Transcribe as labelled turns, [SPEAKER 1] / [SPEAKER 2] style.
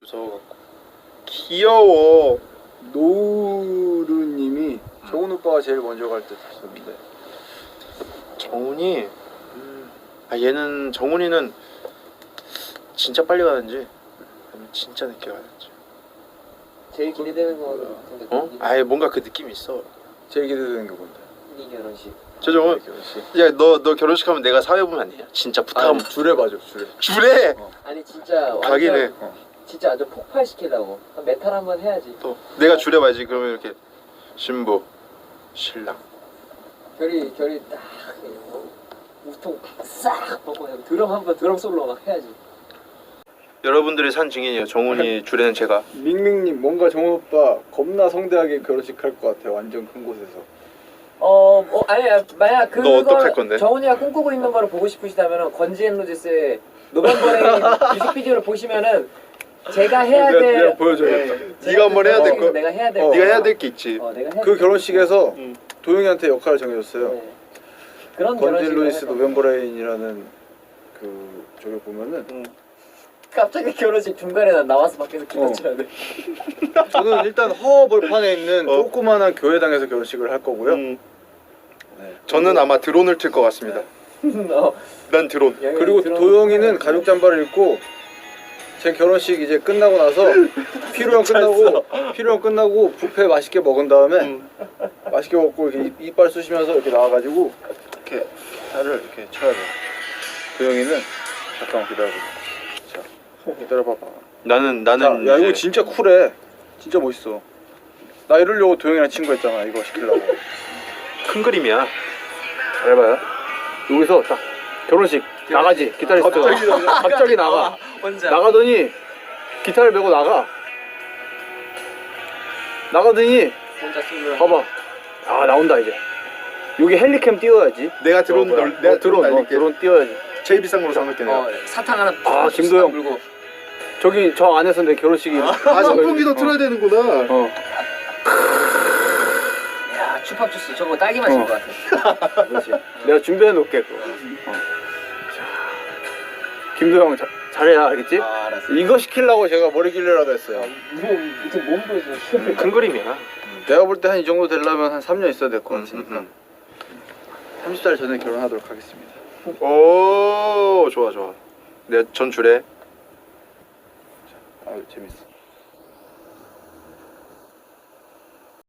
[SPEAKER 1] 무서워갖고. 귀여워.
[SPEAKER 2] 노루님이 정훈 오빠가 제일 먼저 갈 듯 하셨는데.
[SPEAKER 1] 정훈이 얘는 정훈이는 진짜 빨리 가는지 아니면 진짜 늦게 가는지.
[SPEAKER 3] 제일 기대되는 거 같은데.
[SPEAKER 1] 어? 아예 뭔가 그 느낌이 있어.
[SPEAKER 2] 제일 기대되는 게 뭔데?
[SPEAKER 3] 이 결혼식.
[SPEAKER 1] 저 정훈
[SPEAKER 2] 결혼식.
[SPEAKER 1] 야너 결혼식 하면 내가 사회보면 안 되냐? 진짜 부탁하면
[SPEAKER 2] 줄에 봐줘 줄에.
[SPEAKER 1] 줄에
[SPEAKER 3] 아니 진짜
[SPEAKER 1] 가긴 해.
[SPEAKER 3] 진짜 완전 폭발시키려고. 메탈 한번 해야지.
[SPEAKER 1] 또 내가 줄에 봐야지. 그러면 이렇게 신부 신랑
[SPEAKER 3] 결이 딱 우통 싹 벗고 드럼 한번 드럼 솔로 막 해야지.
[SPEAKER 1] 여러분들이 산 증인이에요. 정훈이 줄에는 제가.
[SPEAKER 2] 밍밍님 뭔가 정훈 오빠 겁나 성대하게 결혼식 할 것 같아. 완전 큰 곳에서.
[SPEAKER 3] 아니야 만약
[SPEAKER 1] 너 어떡할 건데?
[SPEAKER 3] 정훈이가 꿈꾸고 있는 거를 보고 싶으시다면은 건지앤로지스의 노벤버레인 뮤직비디오를 보시면은 제가 해야 될
[SPEAKER 2] 내가 보여줘야겠다.
[SPEAKER 1] 네가 한번 해야 될 거.
[SPEAKER 3] 내가 해야 될
[SPEAKER 1] 네가 해야 될 게 있지.
[SPEAKER 3] 내가 해야
[SPEAKER 2] 그
[SPEAKER 3] 될
[SPEAKER 2] 결혼식에서 도영이한테 역할을 정해줬어요.
[SPEAKER 3] 네. 그런
[SPEAKER 2] 건진
[SPEAKER 3] 결혼식을
[SPEAKER 2] 루이스
[SPEAKER 3] 해서.
[SPEAKER 2] 노벤버레인이라는 그 저기 보면은
[SPEAKER 3] 갑자기 결혼식 중간에 난 나와서 밖에서 기도 쳐야 돼.
[SPEAKER 2] 저는 일단 허벌판에 있는 조그만한 교회당에서 결혼식을 할 거고요.
[SPEAKER 1] 네.
[SPEAKER 2] 네.
[SPEAKER 1] 저는 아마 드론을 틀 것 같습니다. 난 드론.
[SPEAKER 2] 그리고 도영이는 가죽 잠바를 입고 제 결혼식 이제 끝나고 나서 피로연 끝나고 뷔페 맛있게 먹은 다음에 맛있게 먹고 이렇게 이빨 쑤시면서 이렇게 나와가지고 이렇게 기타를 이렇게 쳐야 돼요. 도영이는 잠깐만 기다려봐. 자, 기다려봐봐.
[SPEAKER 1] 나는
[SPEAKER 2] 야 이거 진짜 쿨해. 진짜 멋있어. 나 이러려고 도영이랑 친구했잖아. 이거 시키려고.
[SPEAKER 1] 큰 그림이야.
[SPEAKER 2] 잘해봐요. 여기서 딱 결혼식 나가지. 기타리스트가 갑자기 나가.
[SPEAKER 3] 혼자.
[SPEAKER 2] 나가더니 기타를 메고 나가더니
[SPEAKER 3] 혼자 솔로.
[SPEAKER 2] 봐봐. 아 나온다 이제. 여기 헬리캠 띄워야지.
[SPEAKER 1] 내가 드론 내가 드론 날릴게.
[SPEAKER 2] 드론 띄워야지.
[SPEAKER 1] 제일 비싼 걸로 사놓을게 내가.
[SPEAKER 3] 사탕 하나.
[SPEAKER 2] 아, 김도영.
[SPEAKER 3] 물고.
[SPEAKER 2] 저기 저 안에서 내 결혼식이.
[SPEAKER 1] 선풍기도 틀어야 되는구나.
[SPEAKER 3] 야 추팝 주스 저거 딸기 맛인 것 같아.
[SPEAKER 2] 그렇지. 내가 준비해 놓을게 그거. 자, 김도영 잘해야 알겠지?
[SPEAKER 3] 알았어.
[SPEAKER 2] 이거 시키려고 제가 머리 길러라고 했어요.
[SPEAKER 3] 이제 몸 보여줘.
[SPEAKER 1] 큰 그림이야.
[SPEAKER 2] 내가 볼 때 한 이 정도 되려면 한 3년 있어야 될 것 같으니까 30살 전에 결혼하도록 하겠습니다.
[SPEAKER 1] 오 좋아. 내가 전 줄에.
[SPEAKER 2] 아유 재밌어.